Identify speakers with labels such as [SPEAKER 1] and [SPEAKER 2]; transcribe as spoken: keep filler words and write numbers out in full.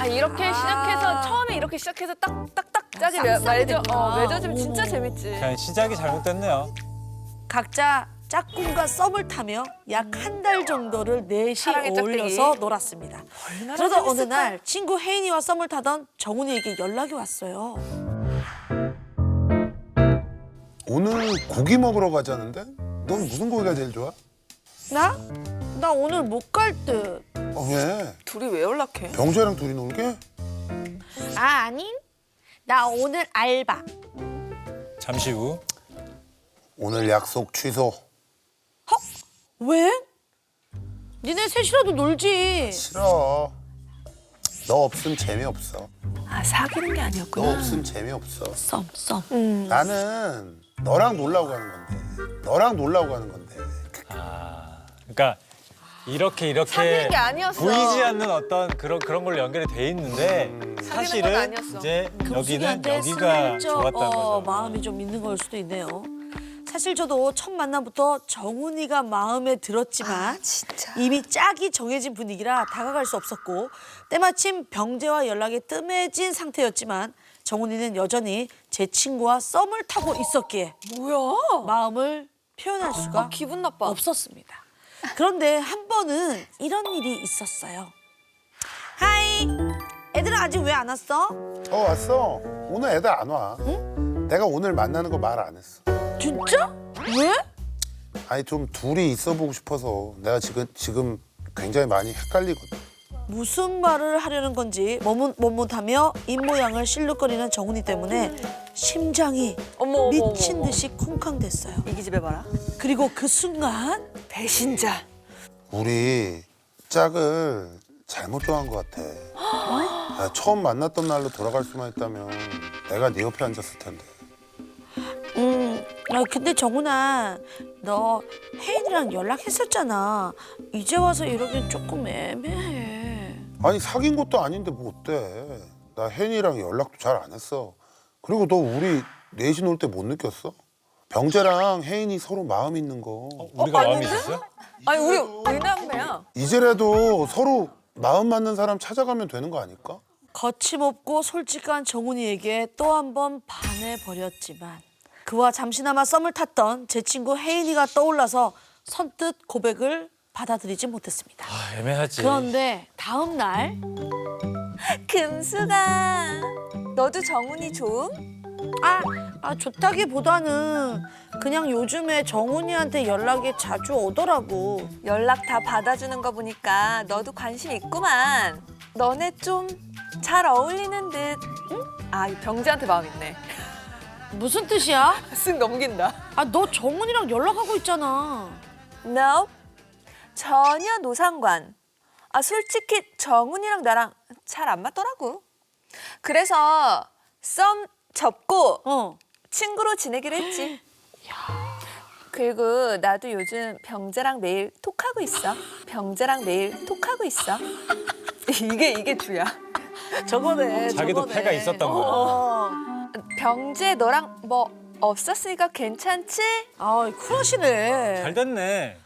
[SPEAKER 1] 아 이렇게 시작해서 처음에 이렇게 시작해서 딱딱딱 짝이 맺- 맺어 어, 맺어지면 진짜 재밌지.
[SPEAKER 2] 그냥 시작이 잘못됐네요.
[SPEAKER 3] 각자 짝꿍과 썸을 타며 약 한 달 정도를 넷이
[SPEAKER 1] 사랑의
[SPEAKER 3] 어울려서
[SPEAKER 1] 짝대기.
[SPEAKER 3] 놀았습니다.
[SPEAKER 1] 얼마나
[SPEAKER 3] 그러다 어느
[SPEAKER 1] 재밌을까?
[SPEAKER 3] 날 친구 혜인이와 썸을 타던 정훈이에게 연락이 왔어요.
[SPEAKER 4] 오늘 고기 먹으러 가자는데? 넌 무슨 고기가 제일 좋아?
[SPEAKER 3] 나? 나 오늘 못 갈 듯.
[SPEAKER 4] 어, 왜?
[SPEAKER 1] 둘이 왜 연락해?
[SPEAKER 4] 병재랑 둘이 놀게?
[SPEAKER 3] 아, 아니. 나 오늘 알바.
[SPEAKER 2] 잠시 후.
[SPEAKER 4] 오늘 약속 취소.
[SPEAKER 3] 왜? 니네 셋이라도 놀지.
[SPEAKER 4] 싫어. 너 없으면 재미없어.
[SPEAKER 1] 아 사귀는 게
[SPEAKER 4] 너
[SPEAKER 1] 아니었구나.
[SPEAKER 4] 없으면 재미없어.
[SPEAKER 3] 썸, 썸.
[SPEAKER 1] 음.
[SPEAKER 4] 나는 너랑 놀라고 가는 건데. 너랑 놀라고 가는 건데.
[SPEAKER 2] 아, 그러니까 이렇게 이렇게
[SPEAKER 1] 사귀는 게 아니었어.
[SPEAKER 2] 보이지 않는 어떤 그런 그런 걸로 연결이 돼 있는데
[SPEAKER 1] 건
[SPEAKER 2] 사실은
[SPEAKER 1] 아니었어.
[SPEAKER 2] 이제 여기는
[SPEAKER 3] 금숙이한테
[SPEAKER 2] 여기가
[SPEAKER 3] 슬쩍,
[SPEAKER 2] 좋았다는
[SPEAKER 3] 어,
[SPEAKER 2] 거죠.
[SPEAKER 3] 마음이 좀 있는 걸 수도 있네요. 사실 저도 첫 만남부터 정훈이가 마음에 들었지만
[SPEAKER 1] 진짜.
[SPEAKER 3] 이미 짝이 정해진 분위기라 다가갈 수 없었고 때마침 병재와 연락이 뜸해진 상태였지만 정훈이는 여전히 제 친구와 썸을 타고 있었기에
[SPEAKER 1] 뭐야?
[SPEAKER 3] 마음을 표현할 수가
[SPEAKER 1] 아, 기분 나빠.
[SPEAKER 3] 없었습니다. 그런데 한 번은 이런 일이 있었어요. 하이, 애들은 아직 왜 안 왔어?
[SPEAKER 4] 어, 왔어. 오늘 애들 안 와. 내가 오늘 만나는 거 말 안 했어.
[SPEAKER 3] 진짜? 왜?
[SPEAKER 4] 아니, 좀 둘이 있어 보고 싶어서. 내가 지금, 지금 굉장히 많이 헷갈리거든.
[SPEAKER 3] 무슨 말을 하려는 건지 머뭇머뭇하며 입모양을 실룩거리는 정훈이 때문에 심장이
[SPEAKER 1] 어머, 어머,
[SPEAKER 3] 미친
[SPEAKER 1] 어머.
[SPEAKER 3] 듯이 쿵쾅댔어요.
[SPEAKER 1] 이기 집에 봐라.
[SPEAKER 3] 그리고 그 순간
[SPEAKER 1] 배신자.
[SPEAKER 4] 우리 짝을 잘못 정한 것 같아. 야, 처음 만났던 날로 돌아갈 수만 있다면 내가 네 옆에 앉았을 텐데.
[SPEAKER 3] 음, 아, 근데 정훈아, 너 혜인이랑 연락했었잖아. 이제 와서 이러긴 조금 애매해.
[SPEAKER 4] 아니 사귄 것도 아닌데 뭐 어때? 나 혜인이랑 연락도 잘 안 했어. 그리고 너 우리 넷이 놀 때 못 느꼈어? 병재랑 혜인이 서로 마음 있는 거.
[SPEAKER 2] 우리가 마음이 있었어요?
[SPEAKER 1] 아니 우리 의남매야.
[SPEAKER 4] 이제라도 서로 마음 맞는 사람 찾아가면 되는 거 아닐까?
[SPEAKER 3] 거침없고 솔직한 정훈이에게 또 한 번 반해버렸지만 그와 잠시나마 썸을 탔던 제 친구 혜인이가 떠올라서 선뜻 고백을 받아들이지 못했습니다.
[SPEAKER 2] 아, 애매하지.
[SPEAKER 3] 그런데 다음 날
[SPEAKER 1] 금수가 너도 정훈이 좋음?
[SPEAKER 3] 아, 아 좋다기보다는 그냥 요즘에 정훈이한테 연락이 자주 오더라고.
[SPEAKER 1] 연락 다 받아주는 거 보니까 너도 관심 있구만. 너네 좀 잘 어울리는 듯. 응? 아, 이 병재한테 마음 있네.
[SPEAKER 3] 무슨 뜻이야?
[SPEAKER 1] 쓱 넘긴다.
[SPEAKER 3] 아, 너 정훈이랑 연락하고 있잖아.
[SPEAKER 1] No, 전혀 노상관. 아, 솔직히 정훈이랑 나랑 잘 안 맞더라고. 그래서 썸 접고
[SPEAKER 3] 어.
[SPEAKER 1] 친구로 지내기로 했지. 그리고 나도 요즘 병재랑 매일 톡하고 있어. 병재랑 매일 톡하고 있어. 이게 이게 주야.
[SPEAKER 3] 저거네.
[SPEAKER 2] 자기도
[SPEAKER 3] 저거네.
[SPEAKER 2] 패가 있었던 거야.
[SPEAKER 3] 어.
[SPEAKER 1] 병재 너랑 뭐 없었으니까 괜찮지?
[SPEAKER 3] 아, 쿨하시네.
[SPEAKER 2] 잘 됐네.